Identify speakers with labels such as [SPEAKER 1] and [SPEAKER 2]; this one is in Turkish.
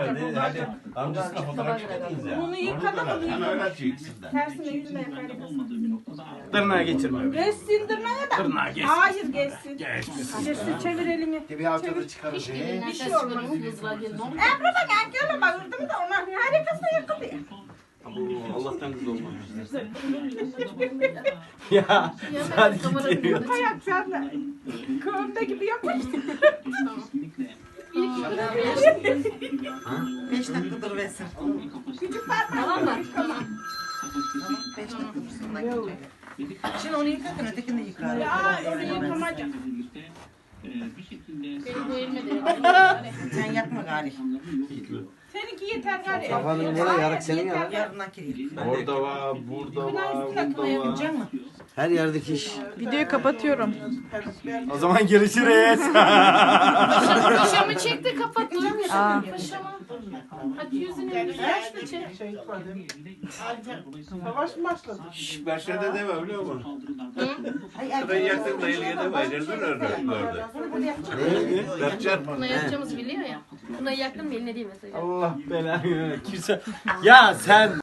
[SPEAKER 1] herhalde. Hadi amcasına fotoğraf çekmediniz ya.
[SPEAKER 2] Bunu yıkadı mı?
[SPEAKER 1] Hemen öyle çeksin.
[SPEAKER 2] Tersine yüzüne yapar.
[SPEAKER 3] Tırnağa geçirme.
[SPEAKER 2] Geçsin tırnağa da.
[SPEAKER 3] Tırnağa geçsin.
[SPEAKER 2] Hayır geçsin.
[SPEAKER 3] Geçmesin.
[SPEAKER 2] Geçsin çevir elini.
[SPEAKER 4] Bir haftada çıkarır.
[SPEAKER 2] Bir şey olmaz. Emre bak erkeğe bağırdım da ona harikasına yakılıyor.
[SPEAKER 1] Allah'tan kız olmamış.
[SPEAKER 3] Ya hadi gidiyor.
[SPEAKER 2] Ayak sen de. Kığımda gibi yapmış.
[SPEAKER 5] 5 dakikadır versin.
[SPEAKER 2] Küçük parmak.
[SPEAKER 5] Tamam mı? Tamam. 5 dakika dursun. Şimdi onu yıkarken ötekini de yıkar.
[SPEAKER 2] Ya onu yıkamayacağım.
[SPEAKER 6] Benim bu elime de
[SPEAKER 5] Sen yapma gari.
[SPEAKER 2] Seninki yeter gari.
[SPEAKER 4] Kafanın nereye yarık senin ya?
[SPEAKER 5] Yarından kireyim.
[SPEAKER 1] Orada var, burada var, burada var.
[SPEAKER 5] Yapacak mı?
[SPEAKER 4] Her yerdeki iş.
[SPEAKER 2] Videoyu kapatıyorum.
[SPEAKER 3] O zaman görüşürüz.
[SPEAKER 6] Paşamı çekti kapattı. Paşamı. Hadi yüzünü yaş da çek.
[SPEAKER 2] Savaş mı başladı?
[SPEAKER 1] Başladı deme biliyor musun?
[SPEAKER 5] Ay
[SPEAKER 1] Ben yaktım da ilgiye de bayılırdın orada. Berkcan.
[SPEAKER 6] Buna yapacağımızı biliyor ya. Buna yaktın mı eline değil mesela.
[SPEAKER 3] Allah belanı. Kimse. Ya sen